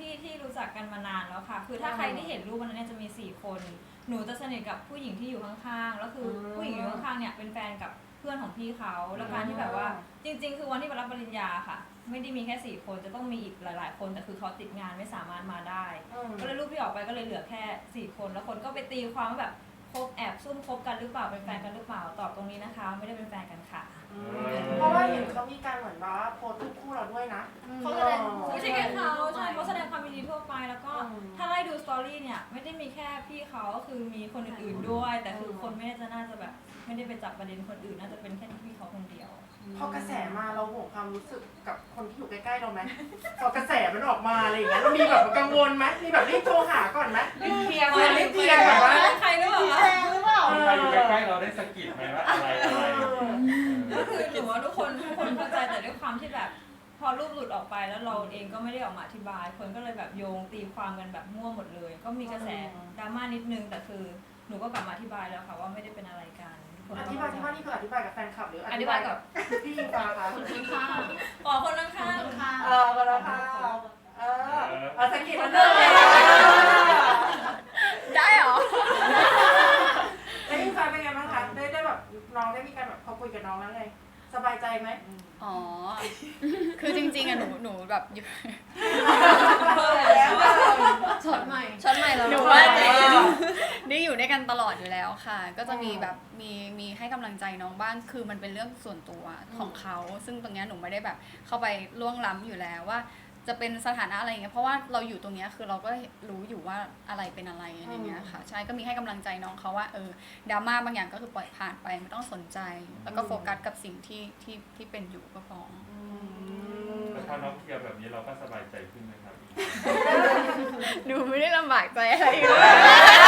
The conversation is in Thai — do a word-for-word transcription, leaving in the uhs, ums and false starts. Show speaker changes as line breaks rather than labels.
พี่ที่รู้จักกันมานานแล้วค่ะคือถ้าใครที่เห็นรูปวันนั้นเนี่ยจะมีสี่คนหนูจะสนิทกับผู้หญิงที่อยู่ข้างๆแล้วคือผู้หญิงอยู่ข้างๆเนี่ยเป็นแฟนกับเพื่อนของพี่เขาแล้วการที่แบบว่าจริงๆคือวันที่ไปรับปริญญาค่ะไม่ได้มีแค่สี่คนจะต้องมีอีกหลายๆคนแต่คือเขาติดงานไม่สามารถมาได้ก็เลยรูปที่ออกไปก็เลยเหลือแค่สี่คนแล้วคนก็ไปตีความว่าแบบคบแอบซุ่มคบกันหรือเปล่าเป็นแฟนกันหรือเปล่าตอบตรงนี้นะคะไม่ได้เป็นแฟนกันค่ะ
เพราะว่าเห็นเขามีการเหมือนว่าโพสต์รูปคู่เราด้วยนะ
เขาแสดงไม่ใช่แค่เขาใช่เขาแสดงความยินดีทั่วไปแล้วก็ถ้าไล่ดูสตอรี่เนี่ยไม่ได้มีแค่พี่เขาก็คือมีคนอื่นๆด้วยแต่คือคนไม่ได้จะน่าจะแบบไม่ได้ไปจับประเด็นคนอื่นน่าจะเป็นแค่พี่เขาคนเดียว
พอกระแสมาเราห่วงความรู้สึกกับคนที่อยู่ใกล้ๆเราไหมพอกระแสมันออกมาอะไรอย่างเงี้ยเรามีแบบกังวลไหมมีแบบรีบโทรหาก่อนไหมรีบเคลียร์รีบเคลียร์แบบว่า
ใครหรือเปล่า
หรือเปล่า
ใครอยู่ใกล้ๆเราได้สะกิดไหมว่าอะไรอะไร
ก็คือหนูว่าทุกคนทุกคนเข้าใจแต่ด้วยความที่แบบพอรูปหลุดออกไปแล้วเราเองก็ไม่ได้ออกมาอธิบายคนก็เลยแบบโยงตีความกันแบบมั่วหมดเลยก็มีกระแสดราม่านิดนึงแต่คือหนูก็กลับมาอธิบายแล้วค่ะว่าไม่ได้เป็นอะไรกัน
อธิบายที่ว่านี่คืออธิบายกับแฟนคลับหรือ
อธิบายกับ
พี่ยิงฟ้าคะ
คนข้างๆอ๋อคนข้าง
ๆเออคนข้างๆเออเอาสกิดมันเลย
ได้เหรอ
แล้วยิงฟ้าเป็นไงบ้างคะได้ได้แบบน้องได้มีการแบบเขาคุยกับน้องแล้วไงสบายใจไหม
อ๋อคือจริงๆอะหนูหนูแบบ
ช็อตใหม่
ช็อตใหม่แล้วหนูว่าได้อยู่ด้วยกันตลอดอยู่แล้วค่ะก็จะมีแบบมีมีให้กำลังใจน้องบ้างคือมันเป็นเรื่องส่วนตัวของเขาซึ่งตรงนี้หนูไม่ได้แบบเข้าไปล่วงล้ำอยู่แล้วว่าจะเป็นสถานะอะไรอย่างเงี้ยเพราะว่าเราอยู่ตรงนี้คือเราก็รู้อยู่ว่าอะไรเป็นอะไรอย่างเงี้ยค่ะใช่ก็มีให้กำลังใจน้องเขาว่าเออดราม่าบางอย่างก็คือปล่อยผ่านไปไม่ต้องสนใจแล้วก็โฟกัสกับสิ่งที่ที่ที่เป็นอยู่ก็พอ
แล้วพอน้องเคลียร์แบบนี้เราก็สบายใจขึ้นไหมครับ
หนูไม่ได้ลำบากใจอะไรเลย